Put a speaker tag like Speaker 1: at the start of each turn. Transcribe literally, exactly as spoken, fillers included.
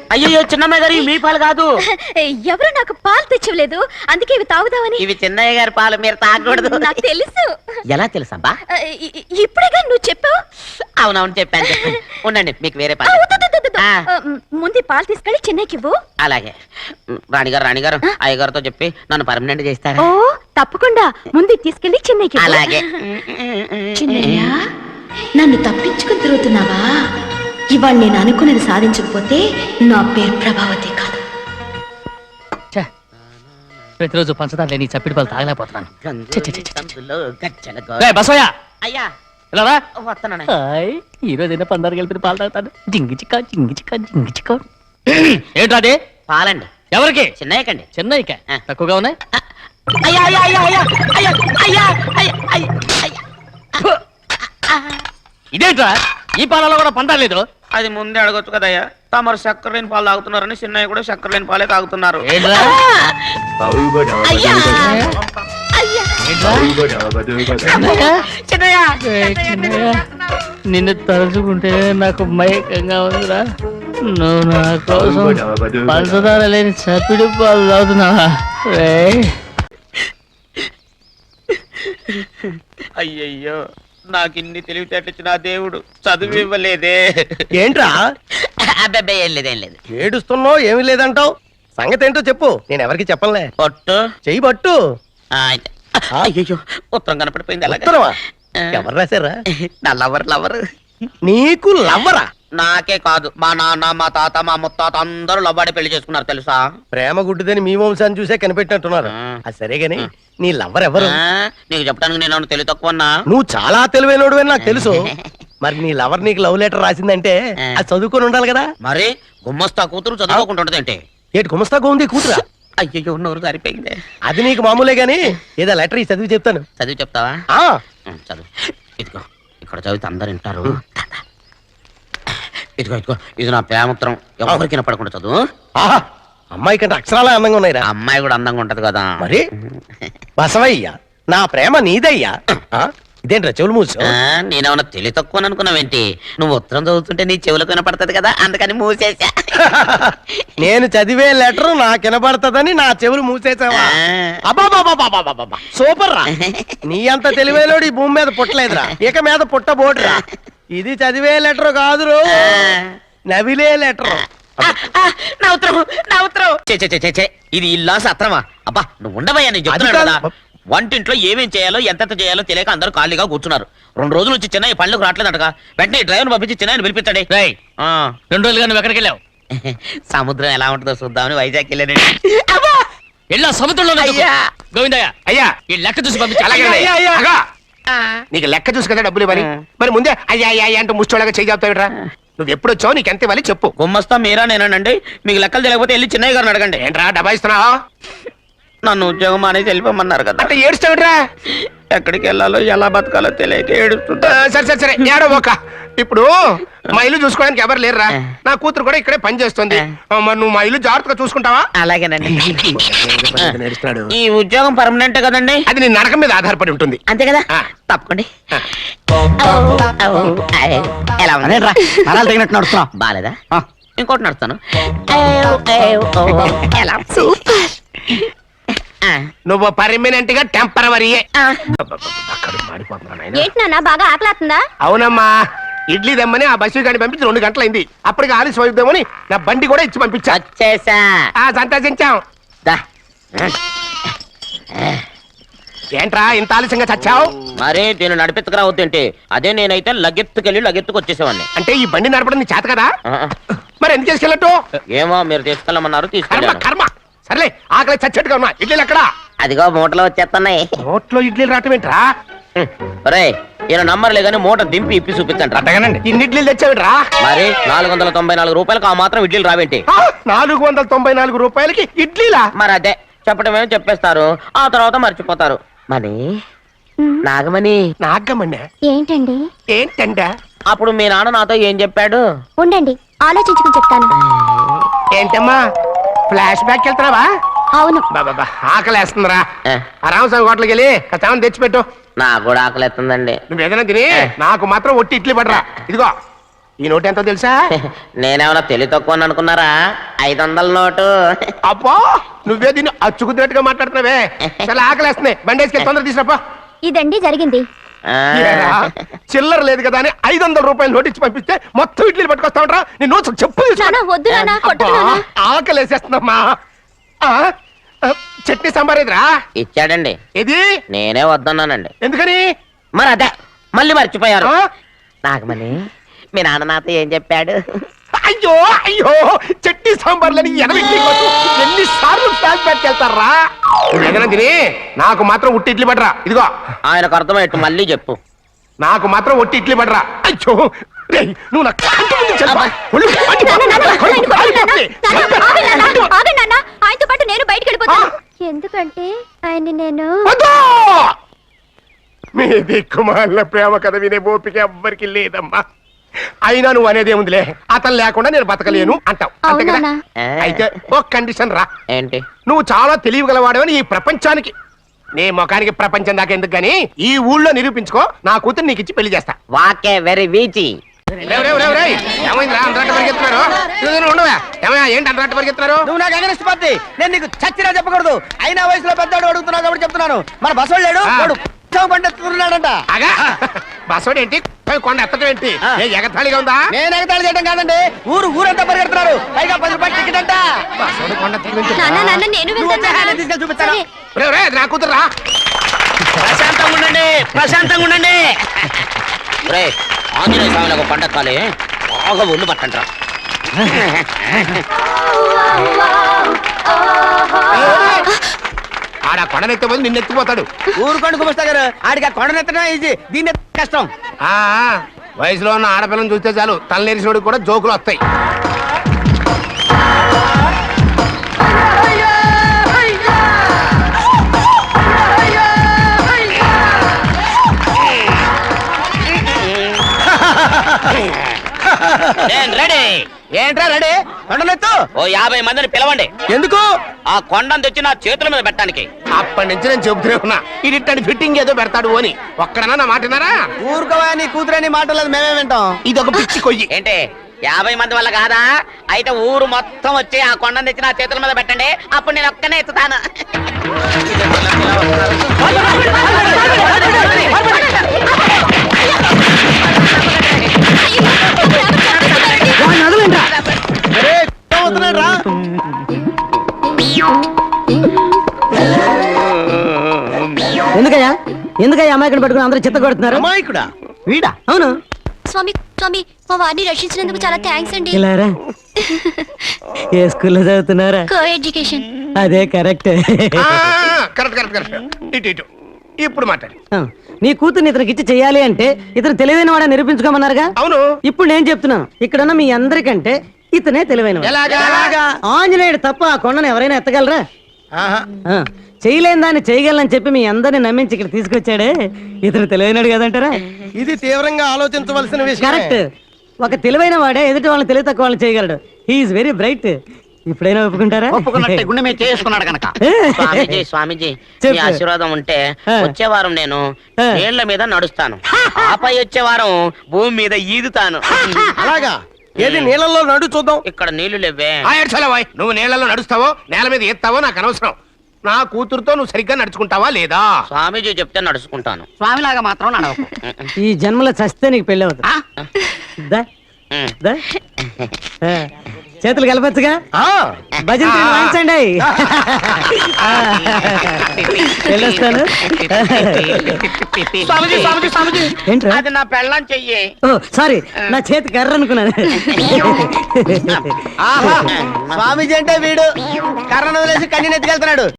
Speaker 1: అయ్యో చిన్నమ్మాయి గారు మీ పాలు కాదు.
Speaker 2: ఎవరు నాకు పాలు తెచ్చలేదు, అందుకే ఇవి తాగుదామని.
Speaker 1: ఇవి చిన్నయ్య గారి పాలు, మీరు తాగకూడదు.
Speaker 2: నాకు తెలుసు.
Speaker 1: ఎలా తెలుసబ్బా?
Speaker 2: ఇప్పుడేగా నువ్వు చెప్పావు.
Speaker 1: అవునవును చెప్పాను చెప్పాను. ఉండండి మీకు వేరే పాలు.
Speaker 2: ముందు పాలు తీసుకెళ్ళి చిన్నయ్యకి ఇవ్వు.
Speaker 1: అలాగే రాణిగారు రాణిగారు అయ్యగారితో చెప్పి నన్ను పర్మనెంట్ చేస్తారా?
Speaker 2: ఓ తప్పకుండా, ముందు తీసుకెళ్ళి చిన్నయ్యకి.
Speaker 1: అలాగే.
Speaker 2: చిన్నయ్య, నన్ను తప్పించుకుని తిరుగుతున్నావా? ఇవాళ నేను అనుకున్నది సాధించకపోతే నా పేరు ప్రభావతి కాదు.
Speaker 3: ప్రతిరోజు పంచదార లేని చప్పిడి పాలు తాగలేకపోతున్నాను.
Speaker 1: అయ్యా వస్తాను.
Speaker 3: ఈ రోజైనా పందారు కలిపి పాలు తాగుతాను. జింగి చిక్క జింగి చిక్క జింగి చిక్క. ఏంటది?
Speaker 1: పాలండి.
Speaker 3: ఎవరికి?
Speaker 1: చిన్నయ్యకండి.
Speaker 3: చిన్నయ్యక తక్కువగా ఉన్నాయి.
Speaker 1: అయ్యా అయ్యా అయ్యా అయ్యా అయ్యా అయ్యా అయ్యా అయ్యా.
Speaker 3: ఇదేంట్రా, ఈ పాలలో కూడా పందాలేదు?
Speaker 1: అది ముందే అడగొచ్చు కదయ్యా. తమరు చక్కెర లేని పాలు తాగుతున్నారని చిన్నయ్య కూడా చక్కెర లేని పాలే తాగుతున్నారు.
Speaker 3: నిన్ను తలుచుకుంటే నాకు మైకంగా ఉందిరా. నువ్వు నా కోసం పంచదార లేని చప్పిడి పాలు తాగుతున్నావా?
Speaker 1: అయ్యయ్యో, నాకు ఇన్ని తెలివితేటచ్చిన దేవుడు చదువు ఇవ్వలేదే.
Speaker 4: ఏంట్రా?
Speaker 1: అబ్బాయి ఏం లేదు ఏం లేదు.
Speaker 4: ఏడుస్తున్నావు, ఏమీ లేదంటావు. సంగతి ఏంటో చెప్పు, నేను ఎవరికి చెప్పనులే.
Speaker 1: పట్టు
Speaker 4: చెయ్యి పట్టు.
Speaker 1: అయ్యో ఉత్తరం కనపడిపోయింది. అలాగే
Speaker 4: ఉత్తరమా? ఎవరు రాశారా?
Speaker 1: నా లవర్ లవర్.
Speaker 4: నీకు లవ్వరా?
Speaker 1: నాకే కాదు, మా నాన్న మా తాత మా ముత్తాత అందరూ లవ్వాడి పెళ్లి చేసుకున్నారు తెలుసా.
Speaker 4: ప్రేమ గుడ్డిదని మీ వంశాన్ని చూసే కనిపెట్టినట్టున్నారు. అది సరే గాని నీ లవ్వర్ ఎవరు?
Speaker 1: నీకు చెప్పడానికి నేను తెలివి తక్కువన్నా?
Speaker 4: నువ్వు చాలా తెలివైనడు అని నాకు తెలుసు. మరి నీ లవర్ నీకు లవ్ లెటర్ రాసిందంటే అది చదువుకొని ఉండాలి కదా.
Speaker 1: మరి గుమ్మస్తా కూతురు చదువుకుంటుంటది ఏంటి?
Speaker 4: ఏంటి గుమస్తా ఉంది కూతురా?
Speaker 1: అయ్యో నోరు సరిపోయింది.
Speaker 4: అది నీకు మామూలే గాని ఏదో లెటర్ ఈ చదివి చెప్తాను.
Speaker 1: చదివి చెప్తావా?
Speaker 4: ఆ
Speaker 1: చదువు. ఇదిగో ఇక్కడ చదివితే అందరు వింటారు. ఇదిగో ఇదిగో ఇది నా ప్రేమత్రం, ఎవరికి వినపడకుండా చదువు.
Speaker 4: ఆహా, అమ్మాయి కంటే అక్షరాలే అందంగా ఉన్నాయిరా.
Speaker 1: అమ్మాయి కూడా అందంగా ఉంటది కదా.
Speaker 4: మరి బసవయ్య, నా ప్రేమ నీదయ్యా. ఇదేంట్రా చెవులు మూసు?
Speaker 1: నేనేమన్నా తెలివి తక్కువ అనుకున్నావేంటి? నువ్వు ఉత్తరం చదువుతుంటే నీ చెవులకు వినపడుతుంది కదా, అందుకని మూసేసా.
Speaker 4: నేను చదివే లెటర్ నాకు వినపడుతుందని నా చెవులు మూసేసావా? అబ్బాబాబాబాబాబాబా, సూపర్ రా. నీ అంత తెలివేలోడు ఈ భూమి మీద పుట్టలేదురా, ఇక మీద పుట్టబోడురా. ఇది చదివే లెటర్ కాదురు, నవిలే లెటర్.
Speaker 1: నా ఉత్తరం నా ఉత్తరం. ఇది ఇల్లా సత్రమా? అబ్బా నువ్వు ఉండవయ్యా, నేను చెప్తున్నాను కదా. వంటింట్లో ఏమేం చేయాలో ఎంతెంత చేయాలో తెలియక అందరూ ఖాళీగా కూర్చున్నారు. రెండు రోజుల నుంచి చిన్న పళ్ళకు రావట్లేదట. వెంటనే డ్రైవర్ పంపించి చిన్న పిలిపించండి.
Speaker 3: రెండు రోజులుగా నువ్వు ఎక్కడికి వెళ్ళావు?
Speaker 1: సముద్రం ఎలా ఉంటుందో చూద్దామని వైజాగ్ వెళ్ళానండి.
Speaker 3: వెళ్ళా సముద్రంలో గోవిందయ్య అయ్యా ఈ లెక్క చూసి పంపించి.
Speaker 4: నీకు లెక్క చూసి కదా డబ్బులు ఇవ్వాలి. మరి ముందే అయ్యా అయ్యా అంటూ ముష్టోళ్ళగా చేయి చెప్తావిట్రా. నువ్వు ఎప్పుడు వచ్చావు, నీకు ఎంత ఇవ్వాలి చెప్పు.
Speaker 1: గుమ్మస్తా మీరా నేనండి. మీకు లెక్కలు తెలియకపోతే వెళ్ళి చిన్నయ్య గారిని అడగండి.
Speaker 4: ఏంట్రా డబ్బా ఇస్తున్నావా?
Speaker 1: నన్ను ఉద్యోగం అనేది వెళ్ళిపోమన్నారు కదా.
Speaker 4: అంటే ఏడుస్తావిట్రా?
Speaker 1: ఎక్కడికి వెళ్ళాలో ఎలా బతకాలో తెలియక ఏడుస్తుంటా.
Speaker 4: సరే సరే సరే ఏడవోక. ఇప్పుడు మా ఇల్లు చూసుకోవడానికి ఎవరు లేరురా. నా కూతురు కూడా ఇక్కడే పని చేస్తుంది. మరి నువ్వు మా ఇల్లు జాగ్రత్తగా చూసుకుంటావా?
Speaker 1: అలాగేనండి. ఈ ఉద్యోగం పర్మనెంట్ కదండి?
Speaker 4: అది నీ నరకం మీద ఆధారపడి ఉంటుంది.
Speaker 1: అంతే కదా, తప్పకండి. ఎలా
Speaker 4: తగినట్టు నడుస్తున్నా?
Speaker 1: బాలేదా? ఇంకోటి నడుస్తాను.
Speaker 4: నువ్వు పర్మనెంట్ గా టెంపరవరీయే.
Speaker 2: బాగా ఆకలేస్తుందా?
Speaker 4: అవునమ్మా, ఇడ్లీ దమ్మని ఆ బస్సు గాని పంపించి రెండు గంటలైంది. అప్పటికి ఆలస్యం అయిద్దామని నా బండి కూడా ఇచ్చి పంపించా. సంతోషించాం. ఏంట్రా ఇంత ఆలస్యంగా చచ్చావు?
Speaker 1: మరి దీన్ని నడిపెత్తుకురావద్దేంటి? అదే నేనైతే లగెత్తుకెళ్ళి లగెత్తుకు వచ్చేసేవాడిని.
Speaker 4: అంటే ఈ బండి నడపడం నీ చేత కదా? మరి ఎందుకు తీసుకెళ్ళట్టు?
Speaker 1: ఏమో మీరు తీసుకెళ్ళమన్నారు, తీసుకెళ్ళాను.
Speaker 4: కర్మ. సర్లే, ఆకలి చచ్చేట్టుగా ఉన్నా. ఇడ్లీలు ఎక్కడా?
Speaker 1: అదిగో మూటలో వచ్చేస్తున్నాయి.
Speaker 4: మూటలో ఇడ్లీలు రావటం ఏంట్రా?
Speaker 1: రే ఈయన నంబర్లే కానీ మూట దింపి ఇప్పి చూపించండి.
Speaker 4: అట్టగానండి. ఇన్ని ఇడ్లీలు తెచ్చావిడ్రా?
Speaker 1: మరి నాలుగు వందల తొంభై నాలుగు రూపాయలకు ఆ మాత్రం ఇడ్లీలు రావేంటి?
Speaker 4: నాలుగు వందల తొంభై నాలుగు రూపాయలకి ఇడ్లీలా?
Speaker 1: మరి అదే చెప్పడమేమో చెప్పేస్తారు, ఆ తర్వాత మర్చిపోతారు. మరి నాగమణి.
Speaker 4: నాగమణి
Speaker 2: ఏంటండి?
Speaker 4: ఏంటంట?
Speaker 1: అప్పుడు మీ నాన్న నాతో ఏం చెప్పాడు?
Speaker 2: ఉండండి ఆలోచించుకుని చెప్తాను.
Speaker 4: ఏంటమ్మా ఫ్లాష్ బ్యాక్ వెళ్తున్నావా?
Speaker 2: అవును.
Speaker 4: బాబా ఆకలేస్తుందిరా. రామస్వామి హోటల్కి వెళ్ళి కచ్చామని తెచ్చిపెట్టు.
Speaker 1: నాకు కూడా ఆకలేస్తుందండి.
Speaker 4: నువ్వు ఏదైనా తిని నాకు మాత్రం ఒట్టి ఇడ్లీ పడరా. ఇదిగో ఈ నోటు ఎంతో తెలుసా?
Speaker 1: నేనేమన్నా తెలివి తక్కువ అనుకున్నారా? ఐదు వందల నోటు.
Speaker 4: అబ్బా నువ్వే దీన్ని అచ్చుకుతున్నట్టుగా మాట్లాడుతున్నావే. చాలా ఆకలేస్తున్నాయి, బండేసుకెళ్ళి తొందర తీసుకురాపా.
Speaker 2: ఇదండి జరిగింది.
Speaker 1: ఆ,
Speaker 4: ఏరా, చిల్లర లేదు కదా అని ఐదు వందల రూపాయలు నోటు ఇచ్చి పంపిస్తే మొత్తం ఇడ్లీలు పట్టుకొస్తా ఉంటా. నీ నోట్స్ చెప్పు తీసుకో.
Speaker 2: నాన్న, వద్దు నాన్న, కొట్టకు
Speaker 4: అబ్బా,
Speaker 2: నాన్న.
Speaker 4: ఆకలేసేస్తుందమ్మా. ఆ, ఆ, చట్నీ సాంబార్ ఎదురా
Speaker 1: ఇచ్చాడండి.
Speaker 4: ఇది
Speaker 1: నేనే వద్దన్నానండి.
Speaker 4: ఎందుకని?
Speaker 1: మరి అదే మళ్ళీ మర్చిపోయారు.
Speaker 4: ఆ?
Speaker 1: నాగమణి, మీ నాన్న నాతో ఏం చెప్పాడు?
Speaker 4: అయ్యో అయ్యో చట్నీ సాంబార్లని ఎనభై ఎన్ని సార్లు ప్యాక్ పెట్టుకెళ్తారా? ఏదైనా తిని నాకు మాత్రం ఉట్టి ఇడ్లీ పడరా. ఇదిగో
Speaker 1: ఆయనకు అర్థమయ్యట్టు మళ్ళీ చెప్పు.
Speaker 4: నాకు మాత్రం ఒట్టి ఇడ్లీ పడరా. అయ్యో రేయ్, నువ్వు నా కంటి ముందు చెప్పా. ఒళ్ళు మండి
Speaker 2: నాన్న, నాన్న,
Speaker 4: పోతుంది.
Speaker 2: ఆయన కొట్టకు నాన్న.
Speaker 4: పోతుంది.
Speaker 2: నాన్న, ఆగండి నాన్న, ఆగండి నాన్న. ఆయనతో పాటు నేను బయటికి వెళ్ళిపోతాను. ఎందుకంటే ఆయన నేను
Speaker 4: వద్దు! మీ దిక్కుమాల ప్రేమ కథ వినే ఓపిక ఎవ్వరికి లేదమ్మా. అయినా నువ్వు అనేది ఏముందిలే, అతను లేకుండా నేను బతకలేను అంటావు అంతే కదా?
Speaker 2: అవునా?
Speaker 4: అయితే ఓ కండిషన్ రా.
Speaker 1: ఏంటి?
Speaker 4: నువ్వు చాలా తెలియగలవాడవని ఈ ప్రపంచానికి, నీ ముఖానికి ప్రపంచం దాకా ఎందుకు గానీ ఈ ఊళ్ళో నిరూపించుకో. నా కూతురు నీకు ఇచ్చి పెళ్లి చేస్తా.
Speaker 1: వాకే వెరీ వీచి.
Speaker 4: రేయ్, రేయ్, రేయ్, రేయ్. ఏమైందిరా అంతరాట పరిగెత్తున్నారు? ఇదిగో నువ్వు ఉండవా? ఏమయ్యా, ఏంటి అంతరాట పరిగెత్తున్నారు?
Speaker 5: నువ్వు నాకు అగనిస్ట్ పార్టీ, నేను నీకు చచ్చినా చెప్పకూడదు. అయినా వయసులో పెద్దవాడు అడుగుతున్నావు కాబట్టి చెప్తున్నాను. మన బసోడు లేడు,
Speaker 4: ఆ.
Speaker 5: వాడు పండిస్తున్నాడంట.
Speaker 4: అగా బస్సోడు ఏంటి, కొండ ఎత్తడం ఏంటి? ఏ ఎగతాళిగా ఉందా?
Speaker 5: నేను ఎగతాళి చేయడం కాదండి, ఊరు ఊరంతా పరిగెడుతున్నారు. పైగా పది రూపాయలు టికెట్ అంట.
Speaker 4: బస్సోడు కొండ ఎత్తడం ఏంటి?
Speaker 2: నాన్న, నాన్న, నేను
Speaker 5: నువ్వు
Speaker 2: వెళ్తాను
Speaker 5: వచ్చే హ్యాండ్
Speaker 2: నాన్న.
Speaker 5: తీసుకెళ్ళి చూపిస్తాను.
Speaker 2: సరే.
Speaker 4: రేయ్, రేయ్, నా కూతురు రా.
Speaker 1: ప్రశాంతంగా ఉండండి, ప్రశాంతంగా ఉండండి. రే, ఆంజనేయ స్వామికి పంట కాలే బాగా ఒళ్ళు పట్టంట్రా.
Speaker 4: ఆడ కొండనెత్తే పోతే నిన్ను ఎత్తిపోతాడు.
Speaker 5: ఊరు కొండ కుమస్తా గారు, ఆడికి ఆ కొండను ఎత్తడం ఈజీ, దీన్ని ఎత్తడం కష్టం.
Speaker 4: ఆ వయసులో ఉన్న ఆడపిల్లని చూస్తే చాలు తలనేరిసినోడికి కూడా జోకులు వస్తాయి.
Speaker 1: నేను రెడీ.
Speaker 5: ఏంట్రా రెడీ? కొండనెత్తు.
Speaker 1: ఓ యాభై మందిని పిలవండి.
Speaker 5: ఎందుకు?
Speaker 1: ఆ కొండను తెచ్చి నా చేతుల మీద పెట్టడానికి.
Speaker 4: అప్పటి నుంచి నేను చెబుతూనే ఉన్నా, ఇది ఫిట్టింగ్ ఏదో పెడతాడు అని. ఒక్కడనా నా మాట విన్నారా?
Speaker 5: ఊరుకోవా, నీ కూతురని మాటలేదు, మేమే వింటాం.
Speaker 4: ఇది ఒక పిచ్చి కొయ్యి.
Speaker 1: ఏంటి యాభై మంది వల్ల కాదా? అయితే ఊరు మొత్తం వచ్చి ఆ కొండను తెచ్చి నా చేతుల మీద పెట్టండి, అప్పుడు నేను ఒక్కనే ఎత్తుతాను.
Speaker 5: ఒరేయ్, అవుతున్నాడు రా.
Speaker 6: ఎందుకయ్యా ఎందుకయ్యా అమాయకుని పట్టుకుని అందరూ చిత్త కొడుతున్నారు?
Speaker 5: అమాయకుడా?
Speaker 6: వీడా? అవును.
Speaker 2: స్వామి, స్వామి, మా వారిని రక్షించినందుకు చాలా థ్యాంక్స్ అండి.
Speaker 6: ఇలారా ఏ స్కూల్లో చదువుతున్నారా?
Speaker 2: Coeducation.
Speaker 6: అదే కరెక్ట్.
Speaker 4: ఆ, కరెక్ట్ కరెక్ట్ కరెక్ట్. ఇటు ఇటు ఇప్పుడు మాట్లాడు.
Speaker 6: నీ కూతుర్ని ఇతనికి ఇచ్చి చెయ్యాలి అంటే ఇతను తెలివైన వాడని నిరూపించుకోమన్నారుగా.
Speaker 4: అవును.
Speaker 6: ఇప్పుడు నేను చెప్తున్నాను, ఇక్కడున్న మీ అందరికంటే ఇతనే తెలివైన
Speaker 4: ఎలాగా?
Speaker 6: ఆంజనేయుడు తప్ప ఆ కొండను ఎవరైనా ఎత్తగలరా?
Speaker 4: ఆహా.
Speaker 6: ఆ, చేయలేని దాన్ని చేయగలని చెప్పి మీ అందరిని నమ్మించి ఇక్కడ తీసుకొచ్చాడే ఇతను తెలివైనడు కదంటారా?
Speaker 4: ఇది తీవ్రంగా ఆలోచించవలసిన విషయం.
Speaker 6: కరెక్ట్. ఒక తెలివైన వాడే ఎదుటి వాళ్ళని తెలివి తక్కువ వాళ్ళని చేయగలడు. He is very bright. ఇప్పుడైనా ఒప్పుకుంటారా?
Speaker 1: ఒప్పుకున్నట్టే గుండె మీద చేసుకున్నాడు కనుక. స్వామీజీ స్వామీజీ మీ
Speaker 6: చెప్పు.
Speaker 1: ఆశీర్వాదం ఉంటే
Speaker 6: ఆ.
Speaker 1: వచ్చే వారం నేను
Speaker 6: ఆ.
Speaker 1: నీళ్ల మీద నడుస్తాను, ఆపై వచ్చే వారం భూమి మీద ఈదుతాను.
Speaker 4: అలాగా? ఏది నీళ్ళల్లో నడు చూద్దాం.
Speaker 1: ఇక్కడ నీళ్లు లేవే.
Speaker 4: ఆ, ఏడ్చాలా వాయ్? నువ్వు నీళ్ళలో నడుస్తావో నేల మీద ఎత్తావో నాకు అనవసరం. నా కూతురుతో నువ్వు సరిగ్గా నడుచుకుంటావా లేదా?
Speaker 1: స్వామీజీ చెప్తే నడుచుకుంటాను.
Speaker 3: స్వామిలాగా మాత్రం నడవకు.
Speaker 6: ఈ జన్మలో చస్తే నీకు పెళ్ళి అవుతుంది.
Speaker 3: ఆ?
Speaker 6: దా,
Speaker 1: ఉమ్.
Speaker 6: దా. ఆ, చేతులు కలపచ్చుగా.
Speaker 4: ఆ,
Speaker 6: భజన తీరు వాయించండి. ఆ, వెళ్ళొస్తాను.
Speaker 1: స్వామీజీ స్వామీజీ స్వామీజీ
Speaker 6: ఏంట్రా?
Speaker 1: అది నా పెళ్ళం చెయ్యి.
Speaker 6: ఓ సారీ, నా చేతి కర్ర అనుకున్నాను.
Speaker 5: ఆహా, స్వామీజీ అంటే వీడు కర్రను వదిలేసి కన్నీని ఎత్తుకెళ్తున్నాడు.